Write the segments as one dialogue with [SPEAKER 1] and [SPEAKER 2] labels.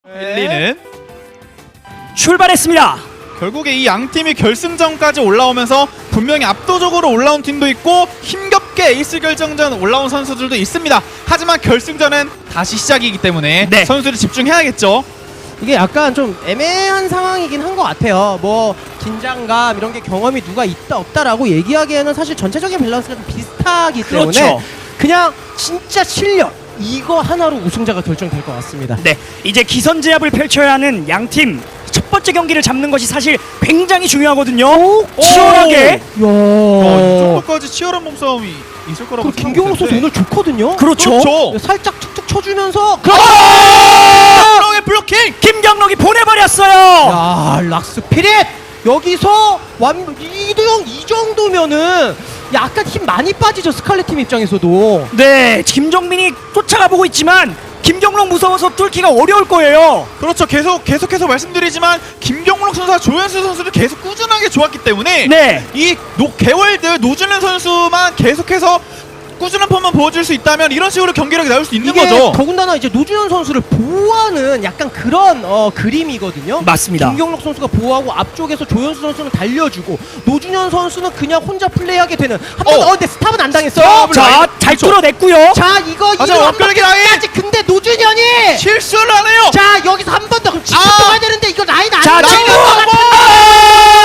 [SPEAKER 1] 1리는
[SPEAKER 2] 출발했습니다.
[SPEAKER 1] 결국에 이 양 팀이 결승전까지 올라오면서 분명히 압도적으로 올라온 팀도 있고 힘겹게 에이스 결정전 올라온 선수들도 있습니다. 하지만 결승전은 다시 시작이기 때문에
[SPEAKER 2] 네.
[SPEAKER 1] 선수들이 집중해야겠죠.
[SPEAKER 3] 이게 약간 좀 애매한 상황이긴 한 것 같아요. 뭐 긴장감 이런 게 경험이 누가 있다 없다라고 얘기하기에는 사실 전체적인 밸런스가 좀 비슷하기 때문에
[SPEAKER 2] 그렇죠.
[SPEAKER 3] 그냥 진짜 실력 이거 하나로 우승자가 결정될 것 같습니다.
[SPEAKER 2] 네, 이제 기선제압을 펼쳐야 하는 양팀 첫 번째 경기를 잡는 것이 사실 굉장히 중요하거든요. 치열하게.
[SPEAKER 1] 이 정도까지 치열한 몸싸움이 있을 거라고
[SPEAKER 3] 그리고 김경록 선수 오늘 좋거든요.
[SPEAKER 2] 그렇죠.
[SPEAKER 3] 살짝 툭툭 쳐주면서
[SPEAKER 1] 김경록의 블로킹!
[SPEAKER 2] 김경록이 보내버렸어요.
[SPEAKER 3] 야 락스 피릿 여기서 이도영 이 정도면은 약간 힘 많이 빠지죠 스칼렛 팀 입장에서도.
[SPEAKER 2] 네, 김정민이 쫓아가 보고 있지만 김경록 무서워서 뚫기가 어려울 거예요.
[SPEAKER 1] 그렇죠. 계속해서 말씀드리지만 김경록 선수와 조현수 선수도 계속 꾸준하게 좋았기 때문에
[SPEAKER 2] 네.
[SPEAKER 1] 이 개월드 노준현 선수만 계속해서 꾸준한 폼만 보여줄 수 있다면 이런 식으로 경기력이 나올 수 있는
[SPEAKER 3] 이게
[SPEAKER 1] 거죠.
[SPEAKER 3] 더군다나 이제 노준현 선수를 보호하는 약간 그런 그림이거든요.
[SPEAKER 2] 맞습니다.
[SPEAKER 3] 김경록 선수가 보호하고 앞쪽에서 조현수 선수는 달려주고 노준현 선수는 그냥 혼자 플레이하게 되는 한번 근데 스탑은 안 당했어요.
[SPEAKER 2] 자, 잘
[SPEAKER 1] 그렇죠.
[SPEAKER 2] 뚫어냈고요.
[SPEAKER 3] 자 이거
[SPEAKER 1] 하지만 완벽하게 라인!
[SPEAKER 3] 까지 근데 노준현이
[SPEAKER 1] 실수를 안 해요.
[SPEAKER 3] 자 여기서 한 번 더 그럼 짚고 가야 되는데 이거 라인 안
[SPEAKER 2] 자,
[SPEAKER 3] 나오는
[SPEAKER 2] 지금
[SPEAKER 3] 것 같은데.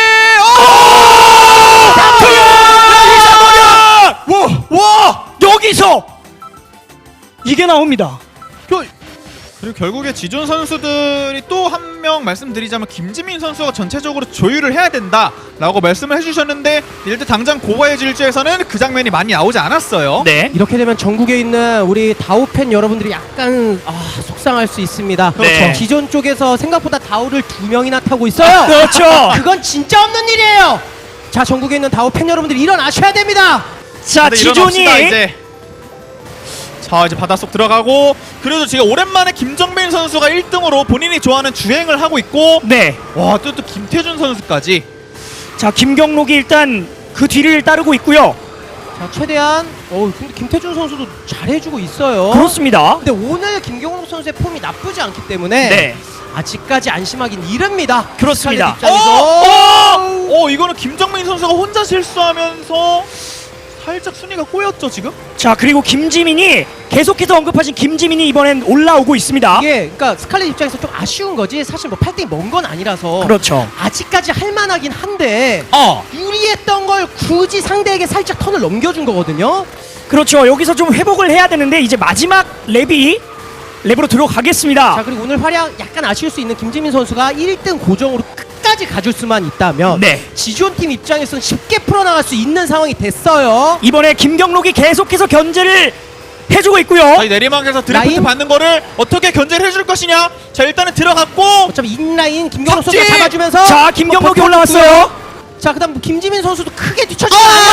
[SPEAKER 1] 와!
[SPEAKER 2] 여기서 이게 나옵니다.
[SPEAKER 1] 그리고 결국에 지존 선수들이 또 한 명 말씀드리자면 김지민 선수가 전체적으로 조율을 해야 된다라고 말씀을 해주셨는데 일단 당장 고바의 질주에서는 그 장면이 많이 나오지 않았어요.
[SPEAKER 2] 네.
[SPEAKER 3] 이렇게 되면 전국에 있는 우리 다우 팬 여러분들이 약간 속상할 수 있습니다.
[SPEAKER 2] 그렇죠.
[SPEAKER 3] 기존 쪽에서 생각보다 다우를 2명이나 타고 있어요.
[SPEAKER 2] 그렇죠.
[SPEAKER 3] 그건 진짜 없는 일이에요. 자 전국에 있는 다우 팬 여러분들이 일어나셔야 됩니다.
[SPEAKER 2] 자,
[SPEAKER 1] 다들
[SPEAKER 2] 지존이
[SPEAKER 1] 일어납시다, 이제. 자 이제 바닷속 들어가고 그래도 지금 오랜만에 김정민 선수가 1등으로 본인이 좋아하는 주행을 하고 있고
[SPEAKER 2] 네.
[SPEAKER 1] 와 또 김태준 선수까지.
[SPEAKER 2] 자, 김경록이 일단 그 뒤를 따르고 있고요.
[SPEAKER 3] 자 최대한 근데 김태준 선수도 잘해주고 있어요.
[SPEAKER 2] 그렇습니다.
[SPEAKER 3] 근데 오늘 김경록 선수의 폼이 나쁘지 않기 때문에
[SPEAKER 2] 네.
[SPEAKER 3] 아직까지 안심하긴 이릅니다.
[SPEAKER 2] 그렇습니다.
[SPEAKER 3] 스칼렛 입장에서
[SPEAKER 1] 이거는 김정민 선수가 혼자 실수하면서 살짝 순위가 꼬였죠 지금?
[SPEAKER 2] 자, 그리고 김지민이 계속해서 언급하신 김지민이 이번엔 올라오고 있습니다.
[SPEAKER 3] 이게 그러니까 스칼렛 입장에서 좀 아쉬운 거지 사실 뭐 8등이 먼 건 아니라서
[SPEAKER 2] 그렇죠.
[SPEAKER 3] 아직까지 할만하긴 한데 유리했던 걸 굳이 상대에게 살짝 턴을 넘겨준 거거든요.
[SPEAKER 2] 그렇죠. 여기서 좀 회복을 해야 되는데 이제 마지막 랩으로 들어가겠습니다.
[SPEAKER 3] 자 그리고 오늘 활약 약간 아쉬울 수 있는 김지민 선수가 1등 고정으로 끝까지 가줄 수만 있다면
[SPEAKER 2] 네.
[SPEAKER 3] 지존 팀 입장에서는 쉽게 풀어나갈 수 있는 상황이 됐어요.
[SPEAKER 2] 이번에 김경록이 계속해서 견제를 해주고 있고요.
[SPEAKER 1] 자, 이 내리막에서 드리프트
[SPEAKER 3] 라인?
[SPEAKER 1] 받는 거를 어떻게 견제를 해줄 것이냐. 자 일단은 들어갔고
[SPEAKER 3] 어차피 인라인 김경록
[SPEAKER 1] 탑지!
[SPEAKER 3] 선수가 잡아주면서
[SPEAKER 2] 자, 김경록이
[SPEAKER 3] 버텼고요.
[SPEAKER 2] 올라왔어요.
[SPEAKER 3] 자 그다음 김지민 선수도 크게 뒤쳐주고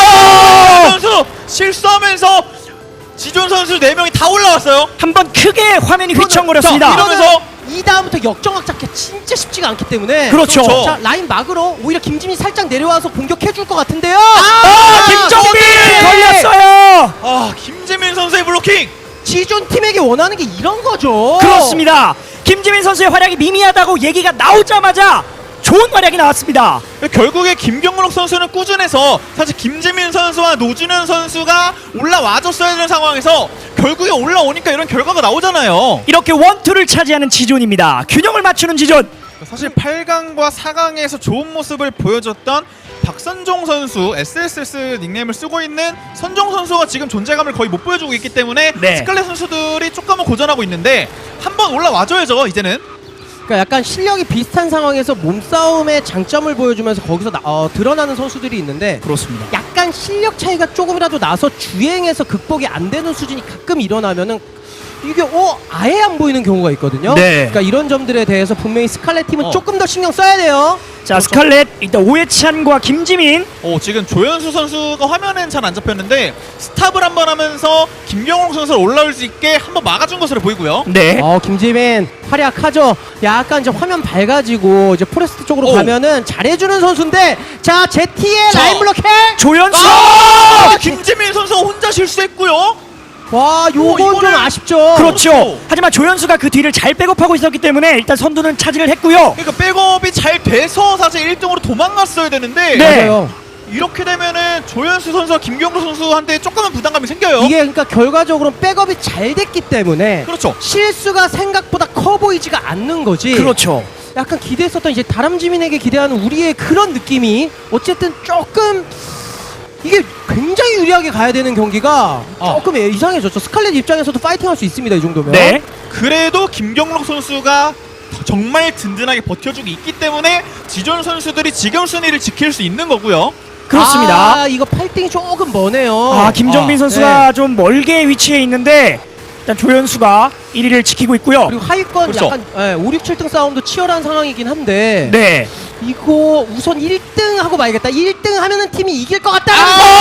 [SPEAKER 1] 선수 실수하면서 지존 선수 4명이 다 올라왔어요.
[SPEAKER 2] 한번 크게 화면이 휘청거렸습니다.
[SPEAKER 1] 자, 이러면서
[SPEAKER 3] 이 다음부터 역정확 잡기 진짜 쉽지가 않기 때문에
[SPEAKER 2] 그렇죠.
[SPEAKER 3] 자 라인 막으로 오히려 김지민 살짝 내려와서 공격해줄 것 같은데요.
[SPEAKER 2] 김정민
[SPEAKER 3] 어떡해!
[SPEAKER 2] 걸렸어요.
[SPEAKER 1] 김재민 선수의 블로킹.
[SPEAKER 3] 지존 팀에게 원하는 게 이런 거죠.
[SPEAKER 2] 그렇습니다. 김지민 선수의 활약이 미미하다고 얘기가 나오자마자 좋은 활약이 나왔습니다.
[SPEAKER 1] 결국에 김경록 선수는 꾸준해서 사실 김재민 선수와 노준현 선수가 올라와줬어야 되는 상황에서 결국에 올라오니까 이런 결과가 나오잖아요.
[SPEAKER 2] 이렇게 원투를 차지하는 지존입니다. 균형을 맞추는 지존.
[SPEAKER 1] 사실 8강과 4강에서 좋은 모습을 보여줬던 박선종 선수, SSS 닉네임을 쓰고 있는 선종 선수가 지금 존재감을 거의 못 보여주고 있기 때문에
[SPEAKER 2] 네.
[SPEAKER 1] 스칼렛 선수들이 조금은 고전하고 있는데 한번 올라와줘야죠 이제는.
[SPEAKER 3] 그러니까 약간 실력이 비슷한 상황에서 몸싸움의 장점을 보여주면서 거기서 드러나는 선수들이 있는데
[SPEAKER 2] 그렇습니다.
[SPEAKER 3] 약간 실력 차이가 조금이라도 나서 주행에서 극복이 안 되는 수준이 가끔 일어나면은 이게 아예 안 보이는 경우가 있거든요.
[SPEAKER 2] 네.
[SPEAKER 3] 그러니까 이런 점들에 대해서 분명히 스칼렛 팀은 조금 더 신경 써야 돼요.
[SPEAKER 2] 자, 스칼렛 일단 오해찬과 김지민.
[SPEAKER 1] 지금 조현수 선수가 화면엔 잘 안 잡혔는데 스탑을 한번 하면서 김경록 선수를 올라올 수 있게 한번 막아준 것으로 보이고요.
[SPEAKER 2] 네.
[SPEAKER 3] 김지민 활약하죠. 약간 이제 화면 밝아지고 이제 포레스트 쪽으로 가면은 잘해주는 선수인데 자 제티의
[SPEAKER 1] 자.
[SPEAKER 3] 라인 블록해.
[SPEAKER 2] 조현수.
[SPEAKER 1] 김재민 선수가 혼자 실수했고요.
[SPEAKER 3] 와, 요건 좀
[SPEAKER 1] 이거는-
[SPEAKER 3] 아쉽죠.
[SPEAKER 2] 그렇죠. 하지만 조현수가 그 뒤를 잘 백업하고 있었기 때문에 일단 선두는 차지를 했고요.
[SPEAKER 1] 그러니까 백업이 잘 돼서 사실 1등으로 도망갔어야 되는데
[SPEAKER 2] 네.
[SPEAKER 3] 맞아요.
[SPEAKER 1] 이렇게 되면은 조현수 선수와 김경로 선수한테 조금은 부담감이 생겨요.
[SPEAKER 3] 이게 그러니까 결과적으로 백업이 잘 됐기 때문에
[SPEAKER 1] 그렇죠.
[SPEAKER 3] 실수가 생각보다 커 보이지가 않는 거지.
[SPEAKER 2] 그렇죠.
[SPEAKER 3] 약간 기대했었던 이제 다람쥐민에게 기대하는 우리의 그런 느낌이 어쨌든 조금 이게 굉장히 유리하게 가야 되는 경기가 조금 이상해졌죠. 스칼렛 입장에서도 파이팅할 수 있습니다. 이 정도면.
[SPEAKER 2] 네.
[SPEAKER 1] 그래도 김경록 선수가 정말 든든하게 버텨주고 있기 때문에 지존 선수들이 지금 순위를 지킬 수 있는 거고요.
[SPEAKER 2] 그렇습니다.
[SPEAKER 3] 아, 이거 8등이 조금 머네요.
[SPEAKER 2] 아, 김정빈
[SPEAKER 1] 아,
[SPEAKER 2] 선수가 좀 멀게 위치해 있는데 일단 조현수가 1위를 지키고 있고요.
[SPEAKER 3] 그리고 하위권
[SPEAKER 1] 그렇죠.
[SPEAKER 3] 약간 5, 6, 7등 싸움도 치열한 상황이긴 한데
[SPEAKER 2] 네.
[SPEAKER 3] 이거 우선 1등 하고 봐야겠다. 1등 하면은 팀이 이길 것 같다.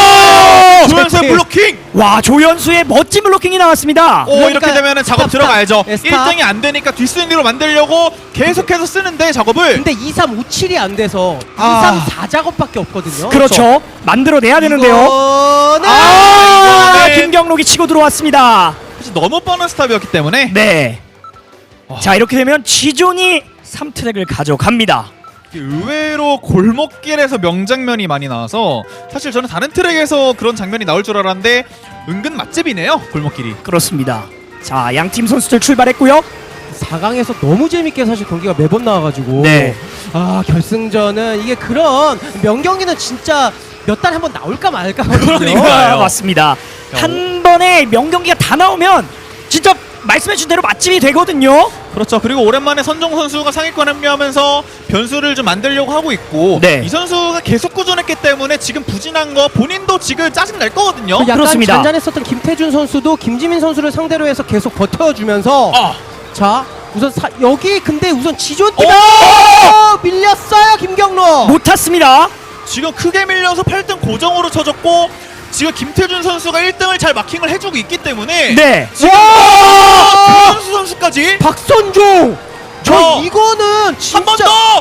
[SPEAKER 1] 조현수의 블로킹!
[SPEAKER 2] 와, 조현수의 멋진 블로킹이 나왔습니다.
[SPEAKER 1] 오,
[SPEAKER 3] 그러니까
[SPEAKER 1] 이렇게 되면은 작업
[SPEAKER 3] 스탑,
[SPEAKER 1] 들어가야죠.
[SPEAKER 3] 스탑. 네, 스탑.
[SPEAKER 1] 1등이 안 되니까 뒷순위로 만들려고 계속해서 쓰는데 작업을
[SPEAKER 3] 근데 2, 3, 5, 7이 안 돼서 2,
[SPEAKER 1] 아.
[SPEAKER 3] 3, 4작업밖에 없거든요.
[SPEAKER 2] 그렇죠. 만들어내야 되는데요.
[SPEAKER 3] 이거는
[SPEAKER 1] 이거는-
[SPEAKER 2] 김경록이 치고 들어왔습니다.
[SPEAKER 1] 사실 너무 뻔한 스탑이었기 때문에
[SPEAKER 2] 네. 자, 이렇게 되면 지존이 3트랙을 가져갑니다.
[SPEAKER 1] 의외로 골목길에서 명장면이 많이 나와서 사실 저는 다른 트랙에서 그런 장면이 나올 줄 알았는데 은근 맛집이네요, 골목길이.
[SPEAKER 2] 그렇습니다. 자, 양팀 선수들 출발했고요.
[SPEAKER 3] 4강에서 너무 재밌게 사실 경기가 매번 나와가지고
[SPEAKER 2] 네.
[SPEAKER 3] 아, 결승전은 이게 그런 명경기는 진짜 몇 달에 한 번 나올까 말까 하거든요.
[SPEAKER 1] 그러니까요.
[SPEAKER 2] 아, 맞습니다. 한 번에 명경기가 다 나오면 진짜 말씀해준 대로 맛집이 되거든요.
[SPEAKER 1] 그렇죠. 그리고 오랜만에 선종 선수가 상위권 합류하면서 변수를 좀 만들려고 하고 있고
[SPEAKER 2] 네.
[SPEAKER 1] 이 선수가 계속 꾸준했기 때문에 지금 부진한 거 본인도 지금 짜증 날 거거든요.
[SPEAKER 3] 약간
[SPEAKER 2] 그렇습니다.
[SPEAKER 3] 잔잔했었던 김태준 선수도 김지민 선수를 상대로 해서 계속 버텨주면서 자 우선 여기 근데 우선 지존팀 밀렸어요 김경록.
[SPEAKER 2] 못 탔습니다.
[SPEAKER 1] 지금 크게 밀려서 8등 고정으로 쳐졌고 지금 김태준 선수가 1등을 잘 마킹을 해주고 있기 때문에
[SPEAKER 2] 네.
[SPEAKER 1] 조현수 선수까지
[SPEAKER 3] 박선종 저 이거는
[SPEAKER 1] 한
[SPEAKER 3] 진짜
[SPEAKER 1] 번 더!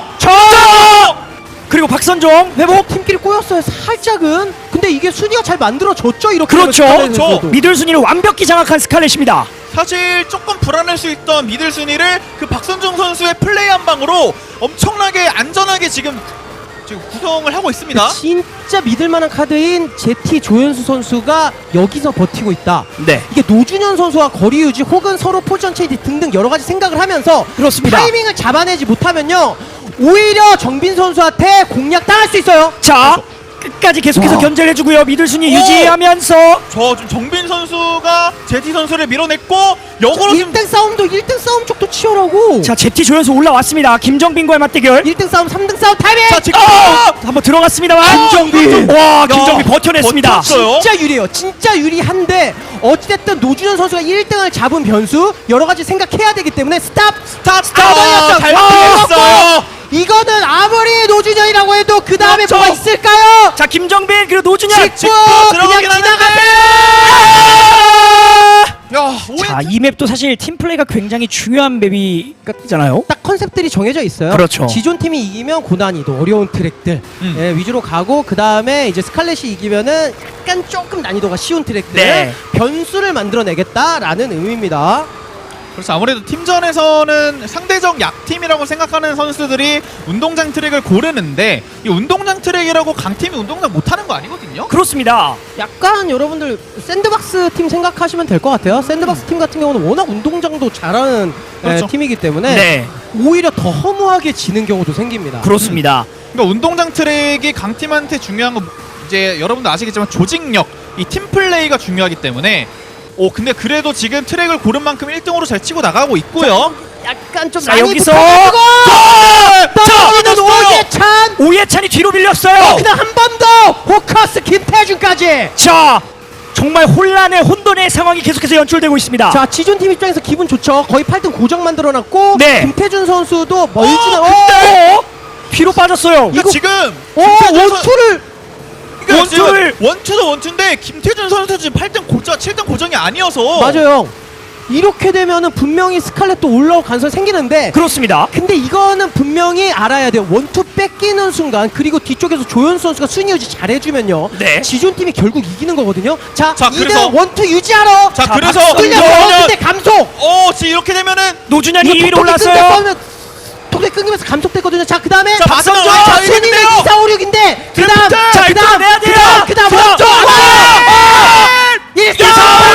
[SPEAKER 2] 그리고 박선종 회복.
[SPEAKER 3] 팀끼리 꼬였어요 살짝은. 근데 이게 순위가 잘 만들어졌죠 이렇게.
[SPEAKER 2] 그렇죠.
[SPEAKER 3] 되면
[SPEAKER 1] 그렇죠.
[SPEAKER 3] 스칼렛에서도.
[SPEAKER 2] 미들 순위를 완벽히 장악한 스칼렛입니다.
[SPEAKER 1] 사실 조금 불안할 수 있던 미들 순위를 그 박선종 선수의 플레이 한 방으로 엄청나게 안전하게 지금 구성을 하고 있습니다.
[SPEAKER 3] 진짜 믿을만한 카드인 제티 조현수 선수가 여기서 버티고 있다.
[SPEAKER 2] 네.
[SPEAKER 3] 이게 노준현 선수와 거리 유지 혹은 서로 포지션 체인지 등등 여러 가지 생각을 하면서
[SPEAKER 2] 그렇습니다.
[SPEAKER 3] 타이밍을 잡아내지 못하면요 오히려 정빈 선수한테 공략 당할 수 있어요.
[SPEAKER 2] 자, 끝까지 계속해서
[SPEAKER 3] 와.
[SPEAKER 2] 견제를 해주고요. 미들 순위
[SPEAKER 1] 오!
[SPEAKER 2] 유지하면서
[SPEAKER 1] 저 지금 정빈 선수가 제티 선수를 밀어냈고 역으로 지금
[SPEAKER 3] 1등 싸움도 1등 싸움 쪽도 치열하고.
[SPEAKER 2] 자, 제티 조연수 올라왔습니다. 김정빈과의 맞대결.
[SPEAKER 3] 1등 싸움 3등 싸움 타이밍.
[SPEAKER 1] 자 지금
[SPEAKER 2] 한번 들어갔습니다만
[SPEAKER 3] 김정빈.
[SPEAKER 2] 와, 김정빈 버텨냈습니다.
[SPEAKER 1] 버텼어요.
[SPEAKER 3] 진짜 유리해요. 진짜 유리한데 어찌됐든 노준현 선수가 1등을 잡은 변수 여러 가지 생각해야 되기 때문에 스탑.
[SPEAKER 1] 잘 맞았어요.
[SPEAKER 3] 이거는 아무리 노준현이라고 해도 그 다음에
[SPEAKER 2] 그렇죠.
[SPEAKER 3] 뭐가 있을까요?
[SPEAKER 2] 자, 김정빈 그리고 노준현.
[SPEAKER 3] 직구 그냥
[SPEAKER 1] 들어가긴
[SPEAKER 3] 지나가세요.
[SPEAKER 1] 야,
[SPEAKER 2] 자, 이 맵도 사실 팀 플레이가 굉장히 중요한 맵이잖아요.
[SPEAKER 3] 딱 컨셉들이 정해져 있어요.
[SPEAKER 2] 그렇죠.
[SPEAKER 3] 지존 팀이 이기면 고난이도 어려운 트랙들 예, 위주로 가고 그 다음에 이제 스칼렛이 이기면은 약간 조금 난이도가 쉬운 트랙들
[SPEAKER 2] 네.
[SPEAKER 3] 변수를 만들어내겠다라는 의미입니다.
[SPEAKER 1] 그렇죠. 아무래도 팀전에서는 상대적 약팀이라고 생각하는 선수들이 운동장 트랙을 고르는데 이 운동장 트랙이라고 강팀이 운동장 못하는 거 아니거든요.
[SPEAKER 2] 그렇습니다.
[SPEAKER 3] 약간 여러분들 샌드박스 팀 생각하시면 될 것 같아요. 샌드박스 팀 같은 경우는 워낙 운동장도 잘하는
[SPEAKER 1] 그렇죠.
[SPEAKER 3] 팀이기 때문에
[SPEAKER 2] 네,
[SPEAKER 3] 오히려 더 허무하게 지는 경우도 생깁니다.
[SPEAKER 2] 그렇습니다.
[SPEAKER 1] 그러니까 운동장 트랙이 강팀한테 중요한 거 이제 여러분도 아시겠지만 조직력, 이 팀 플레이가 중요하기 때문에 근데 그래도 지금 트랙을 고른 만큼 1등으로 잘 치고 나가고 있고요.
[SPEAKER 3] 약간 좀
[SPEAKER 2] 자,
[SPEAKER 3] 많이
[SPEAKER 2] 여기서
[SPEAKER 3] 떨어지는 오예찬.
[SPEAKER 2] 오예찬이 뒤로 밀렸어요.
[SPEAKER 3] 그다음 한 번 더 호커스 김태준까지.
[SPEAKER 2] 자, 정말 혼란의 혼돈의 상황이 계속해서 연출되고 있습니다.
[SPEAKER 3] 자, 지존 팀 입장에서 기분 좋죠. 거의 8등 고정 만들어놨고
[SPEAKER 2] 네.
[SPEAKER 3] 김태준 선수도 멀지는
[SPEAKER 2] 근데 뒤로 빠졌어요.
[SPEAKER 1] 그러니까 지금
[SPEAKER 3] 원투를
[SPEAKER 2] 원투를-
[SPEAKER 1] 원투도 원투인데 김태준 선수 지금 8등 고정, 7등 고정이 아니어서
[SPEAKER 3] 맞아요. 이렇게 되면은 분명히 스칼렛도 올라올 가능성이 생기는데
[SPEAKER 2] 그렇습니다.
[SPEAKER 3] 근데 이거는 분명히 알아야 돼요. 원투 뺏기는 순간 그리고 뒤쪽에서 조현수 선수가 순위 유지 잘해주면요.
[SPEAKER 2] 네.
[SPEAKER 3] 지존팀이 결국 이기는 거거든요. 자,
[SPEAKER 1] 자,
[SPEAKER 3] 2등
[SPEAKER 1] 그래서-
[SPEAKER 3] 원투 유지하러.
[SPEAKER 1] 자,
[SPEAKER 2] 자,
[SPEAKER 1] 그래서
[SPEAKER 3] 끌려 근데 감속.
[SPEAKER 1] 지금 이렇게 되면은
[SPEAKER 2] 노준현이
[SPEAKER 3] 이거
[SPEAKER 2] 2위로 올랐어요.
[SPEAKER 3] 톡톡이 끊기면서 감속됐거든요. 자, 그 다음에
[SPEAKER 1] 자, 박성준
[SPEAKER 3] 순위는
[SPEAKER 1] 이기는데요.
[SPEAKER 3] 2, 4, 5, 6인데 그 다음
[SPEAKER 2] 자, 일단 내야 돼요.
[SPEAKER 3] 그 다음
[SPEAKER 2] 자,
[SPEAKER 3] 원투
[SPEAKER 2] 자,
[SPEAKER 3] 1, 4,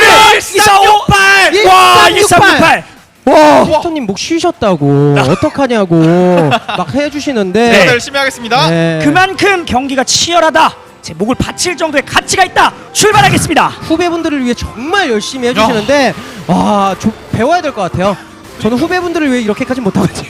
[SPEAKER 2] 1468. 와, 1368.
[SPEAKER 3] 와, 휘터님 목 쉬셨다고 어떡하냐고 막 해주시는데
[SPEAKER 2] 네.
[SPEAKER 1] 열심히 하겠습니다.
[SPEAKER 3] 네.
[SPEAKER 2] 그만큼 경기가 치열하다. 제 목을 바칠 정도의 가치가 있다. 출발하겠습니다.
[SPEAKER 3] 후배분들을 위해 정말 열심히 해주시는데 와, 배워야 될 것 같아요. 저는 후배분들을 위해 이렇게까지 못하거든요.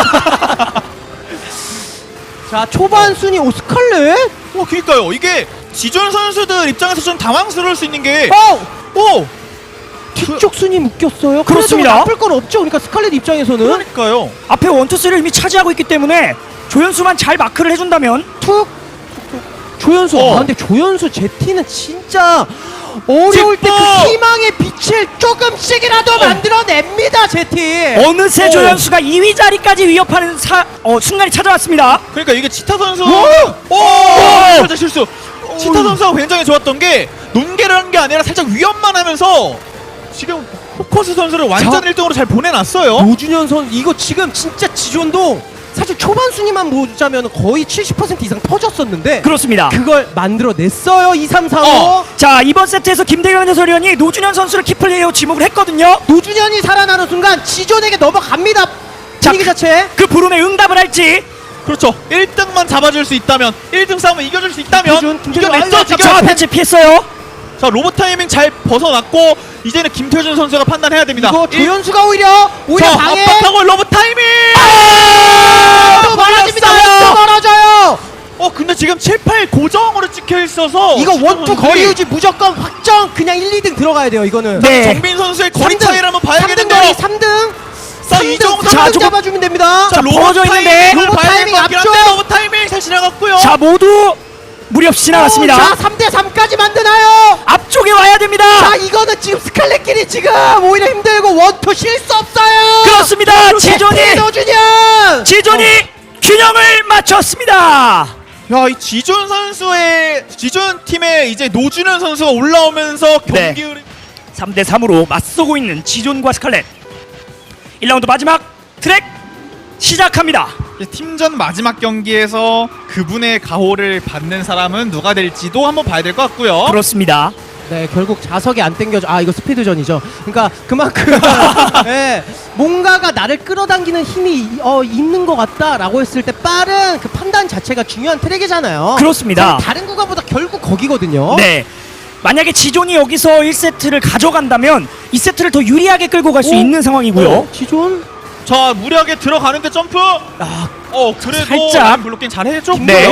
[SPEAKER 3] 자, 초반 순위 스칼렛?
[SPEAKER 1] 그니까요. 이게 지존 선수들 입장에서 좀 당황스러울 수 있는 게
[SPEAKER 3] 오! 뒤쪽 순위 묶였어요.
[SPEAKER 2] 그렇습니다.
[SPEAKER 3] 그래도 나쁠 건 없죠. 그러니까 스칼렛 입장에서는
[SPEAKER 1] 그러니까요.
[SPEAKER 2] 앞에 원투스를 이미 차지하고 있기 때문에 조현수만 잘 마크를 해준다면
[SPEAKER 3] 툭 조현수. 근데 조현수 제티는 진짜 어려울 때 그 희망의 빛을 조금씩이라도 만들어냅니다. 제티.
[SPEAKER 2] 어느새 조현수가 2위 자리까지 위협하는 순간이 찾아왔습니다.
[SPEAKER 1] 그러니까 이게 치타 선수
[SPEAKER 3] 오!
[SPEAKER 1] 살짝 실수. 치타 선수가 굉장히 좋았던 게 논개를 한 게 아니라 살짝 위협만 하면서 지금 호커스 선수를 완전
[SPEAKER 3] 자,
[SPEAKER 1] 1등으로 잘 보내놨어요.
[SPEAKER 3] 노준현 선수 이거 지금 진짜 지존도 사실 초반 순위만 보자면 거의 70% 이상 터졌었는데
[SPEAKER 2] 그렇습니다.
[SPEAKER 3] 그걸 만들어냈어요. 2, 3, 4, 5.
[SPEAKER 2] 자, 이번 세트에서 김대경 해설위원이 노준현 선수를 키플레이어 지목을 했거든요.
[SPEAKER 3] 노준현이 살아나는 순간 지존에게 넘어갑니다.
[SPEAKER 2] 자,
[SPEAKER 3] 분위기 자체.
[SPEAKER 2] 그 부름에 응답을 할지.
[SPEAKER 1] 그렇죠. 1등만 잡아줄 수 있다면 1등 싸움을 이겨줄 수 있다면
[SPEAKER 3] 김태준,
[SPEAKER 1] 이겨냈죠 지금.
[SPEAKER 2] 자, 패치 피했어요.
[SPEAKER 1] 자, 로봇 타이밍 잘 벗어났고 이제는 김태준 선수가 판단해야 됩니다.
[SPEAKER 3] 이거 조현수가 오히려
[SPEAKER 1] 자,
[SPEAKER 3] 방해.
[SPEAKER 1] 압박하고 로봇 타이밍.
[SPEAKER 3] 또 멀어집니다. 또 멀어져요.
[SPEAKER 1] 근데 지금 7, 8 고정으로 찍혀 있어서
[SPEAKER 3] 이거
[SPEAKER 1] 지금
[SPEAKER 3] 원투
[SPEAKER 1] 선수들이
[SPEAKER 3] 거리 유지 무조건 확정. 그냥 1, 2등 들어가야 돼요. 이거는.
[SPEAKER 2] 네.
[SPEAKER 1] 정빈 선수의 거리
[SPEAKER 3] 3등,
[SPEAKER 1] 차이를 한번
[SPEAKER 3] 3등
[SPEAKER 1] 봐야겠는데요.
[SPEAKER 3] 거리 3등.
[SPEAKER 1] 자, 이 정도
[SPEAKER 3] 3등
[SPEAKER 2] 조금-
[SPEAKER 3] 잡아주면 됩니다.
[SPEAKER 1] 자, 로봇
[SPEAKER 2] 벌어져 있는데.
[SPEAKER 1] 타이밍을
[SPEAKER 3] 로봇
[SPEAKER 1] 봐야
[SPEAKER 3] 타이밍
[SPEAKER 1] 될것 같긴 한데
[SPEAKER 3] 앞쪽.
[SPEAKER 1] 로봇 타이밍 잘 지나갔고요.
[SPEAKER 2] 자, 모두 무리 없이 지나갔습니다.
[SPEAKER 3] 자, 3대 3까지 만드나요?
[SPEAKER 2] 앞쪽에 와야 됩니다.
[SPEAKER 3] 자, 이거는 지금 스칼렛끼리 지금 오히려 힘들고 원투 쉴 수 없어요.
[SPEAKER 2] 그렇습니다. 지존이
[SPEAKER 3] 노준현.
[SPEAKER 2] 균형을 맞췄습니다.
[SPEAKER 1] 야, 이 지존 팀의 이제 노준현 선수가 올라오면서
[SPEAKER 2] 네.
[SPEAKER 1] 경기 흐름
[SPEAKER 2] 3대 3으로 맞서고 있는 지존과 스칼렛. 1라운드 마지막 트랙 시작합니다.
[SPEAKER 1] 팀전 마지막 경기에서 그분의 가호를 받는 사람은 누가 될지도 한번 봐야 될 것 같고요.
[SPEAKER 2] 그렇습니다.
[SPEAKER 3] 네, 결국 자석이 안 땡겨져. 이거 스피드전이죠. 그러니까 그만큼 네, 뭔가가 나를 끌어당기는 힘이 있는 것 같다라고 했을 때 빠른 그 판단 자체가 중요한 트랙이잖아요.
[SPEAKER 2] 그렇습니다.
[SPEAKER 3] 다른 구간보다 결국 거기거든요.
[SPEAKER 2] 네. 만약에 지존이 여기서 1세트를 가져간다면 2세트를 더 유리하게 끌고 갈 수
[SPEAKER 3] 오?
[SPEAKER 2] 있는 상황이고요.
[SPEAKER 3] 지존.
[SPEAKER 1] 자, 무리하게 들어가는데 점프. 그래도
[SPEAKER 2] 살짝.
[SPEAKER 1] 라인 블로킹 잘 해줬고요.
[SPEAKER 2] 네.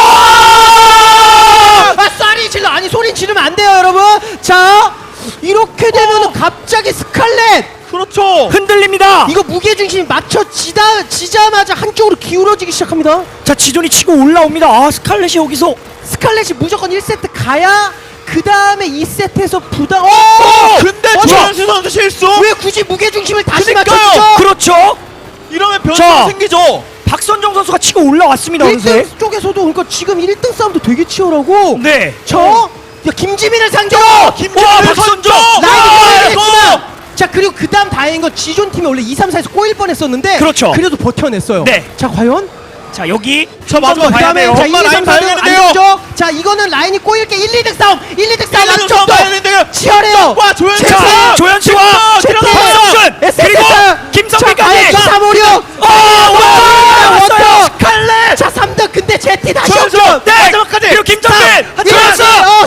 [SPEAKER 3] 쏘리 질러. 아니, 소리 지르면 안 돼요, 여러분. 자, 이렇게 되면은 갑자기 스칼렛.
[SPEAKER 1] 그렇죠.
[SPEAKER 2] 흔들립니다.
[SPEAKER 3] 이거 무게중심이 맞춰지자마자 한쪽으로 기울어지기 시작합니다.
[SPEAKER 2] 자, 지존이 치고 올라옵니다. 스칼렛이 여기서
[SPEAKER 3] 스칼렛이 무조건 1세트 가야 그 다음에 2세트에서 부담.
[SPEAKER 1] 근데 조현수 선수 실수.
[SPEAKER 3] 왜 굳이 무게중심을 다시
[SPEAKER 1] 그러니까요.
[SPEAKER 3] 맞춰주죠?
[SPEAKER 2] 그렇죠.
[SPEAKER 1] 이러면
[SPEAKER 2] 자.
[SPEAKER 1] 변수가 생기죠.
[SPEAKER 2] 박선정 선수가 치고 올라왔습니다. 어느새.
[SPEAKER 3] 1등 쪽에서도 그러니까 지금 1등 싸움도 되게 치열하고.
[SPEAKER 2] 네.
[SPEAKER 3] 야, 김지민을 상대로
[SPEAKER 1] 김지민을
[SPEAKER 2] 박선정!
[SPEAKER 3] 라이드
[SPEAKER 1] 이거!
[SPEAKER 3] 했지만. 자, 그리고 그 다음 다행인 건 지존 팀이 원래 2, 3, 4에서 꼬일 뻔했었는데.
[SPEAKER 2] 그렇죠.
[SPEAKER 3] 그래도 버텨냈어요.
[SPEAKER 2] 네.
[SPEAKER 3] 자, 과연?
[SPEAKER 2] 자, 여기
[SPEAKER 1] 자, 마지막
[SPEAKER 2] 봐야
[SPEAKER 3] 그다음에
[SPEAKER 2] 돼요.
[SPEAKER 3] 자, 1, 2,
[SPEAKER 1] 엄마
[SPEAKER 3] 3,
[SPEAKER 1] 라인
[SPEAKER 3] 4등
[SPEAKER 1] 봐야겠는데요.
[SPEAKER 3] 안정죠. 자, 이거는 라인이 꼬일 게 1, 2등 싸움. 1, 2등 싸움
[SPEAKER 1] 싸움
[SPEAKER 3] 안쪽도
[SPEAKER 1] 봐야 되는데요.
[SPEAKER 3] 치열해요.
[SPEAKER 1] 와, 조현수.
[SPEAKER 2] 자, 조현수와
[SPEAKER 3] 제트!
[SPEAKER 2] 박성준 그리고 김성빈까지.
[SPEAKER 3] 2, 3, 5, 6.
[SPEAKER 2] 왔어요.
[SPEAKER 3] 스칼렛. 자, 3등 근데 제티 다시
[SPEAKER 1] 조현수.
[SPEAKER 3] 없죠.
[SPEAKER 2] 네.
[SPEAKER 1] 마지막까지.
[SPEAKER 2] 그리고 김정빈.
[SPEAKER 3] 조현수.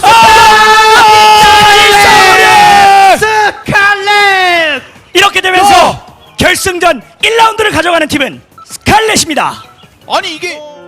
[SPEAKER 3] 스칼렛.
[SPEAKER 2] 이렇게 되면서 결승전 1라운드를 가져가는 팀은 스칼렛입니다.
[SPEAKER 1] 아니 이게